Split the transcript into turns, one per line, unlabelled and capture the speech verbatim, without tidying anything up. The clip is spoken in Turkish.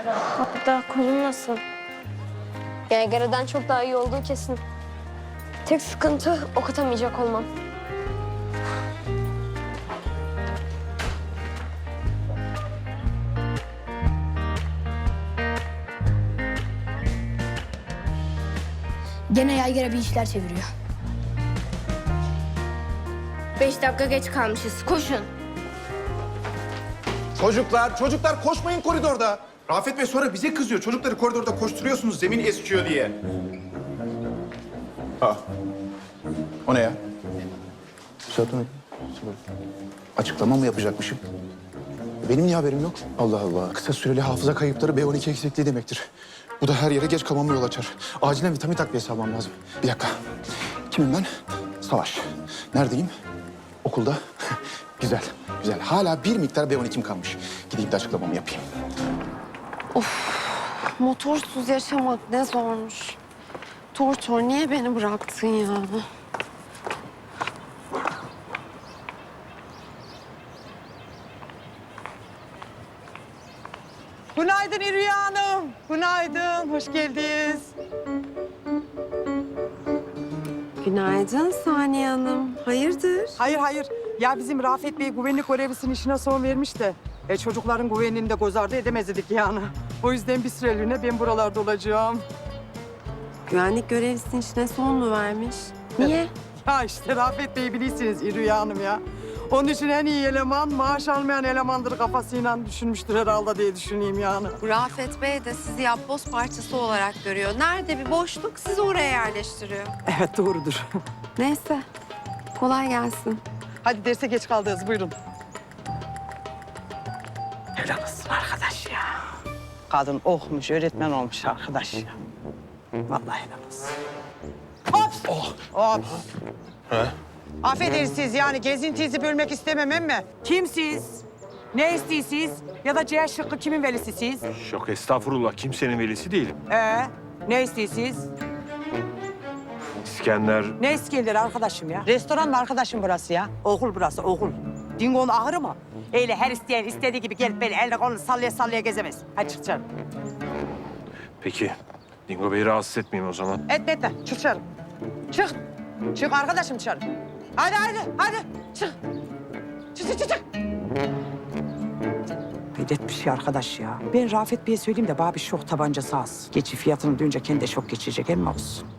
Hatta kolun nasıl? Yaygara'dan çok daha iyi olduğu kesin. Tek sıkıntı ok atamayacak olmam.
Gene yaygara bir işler çeviriyor.
Beş dakika geç kalmışız. Koşun.
Çocuklar, çocuklar koşmayın koridorda. Rafet Bey sonra bize kızıyor. Çocukları koridorda koşturuyorsunuz zemin eskiyor diye. Aa. O ne ya? Zaten açıklama mı yapacakmışım? Benim niye haberim yok? Allah Allah. Kısa süreli hafıza kayıpları B on iki eksikliği demektir. Bu da her yere geç kalmama yol açar. Acilen vitamin takviyesi almam lazım. Bir dakika. Kimim ben? Savaş. Neredeyim? Okulda. Güzel, güzel. Hala bir miktar B on ikim kalmış. Gideyim de açıklamamı yapayım.
Motorsuz yaşamak ne zormuş. Tortor niye beni bıraktın ya?
Günaydın İrüya Hanım. Günaydın, hoş geldiniz.
Günaydın Saniye Hanım. Hayırdır?
Hayır, hayır. Ya bizim Rafet Bey güvenlik görevlisinin işine son vermiş de... E, çocukların güvenliğini de göz ardı edemezdik yani. O yüzden bir süreliğine ben buralarda olacağım.
Güvenlik görevlisinin işine son mu vermiş? Niye?
Ya işte Rafet Bey'i bilirsiniz İrüya Hanım ya. Onun için en iyi eleman maaş almayan elemandır kafasıyla düşünmüştür herhalde diye düşüneyim yani.
Rafet Bey de sizi yapboz parçası olarak görüyor. Nerede bir boşluk sizi oraya yerleştiriyor.
Evet doğrudur.
Neyse. Kolay gelsin.
Hadi derse geç kaldınız buyurun. Helal olsun arkadaş ya. Kadın okumuş, öğretmen olmuş arkadaş ya. Vallahi helal olsun. Hop! Oh. Hop!
He?
Affedersiniz yani gezintinizi bölmek istemem ama kimsiz? Ne istiyorsunuz? Ya da C şıkkı kimin velisisiz?
Yok estağfurullah, kimsenin velisi değilim.
Ee, ne istiyorsunuz?
İskender...
Ne İskender arkadaşım ya? Restoran mı arkadaşım burası ya? Okul burası, okul. Dingo'nun ahırı mı? Öyle her isteyen istediği gibi gelip beni elle kolunu sallaya sallaya gezemez. Hadi çık dışarı.
Peki, Dingo Bey'i rahatsız etmeyeyim o zaman.
Etme etme, çık dışarı. Çık. Çık arkadaşım dışarı. Hadi hadi hadi çık. Çık çık çık. çık. Hayret bir şey arkadaş ya. Ben Rafet Bey'e söyleyeyim de bana bir şok tabancası az. Geçi fiyatını duyunca kendi de şok geçirecek, emmi olsun.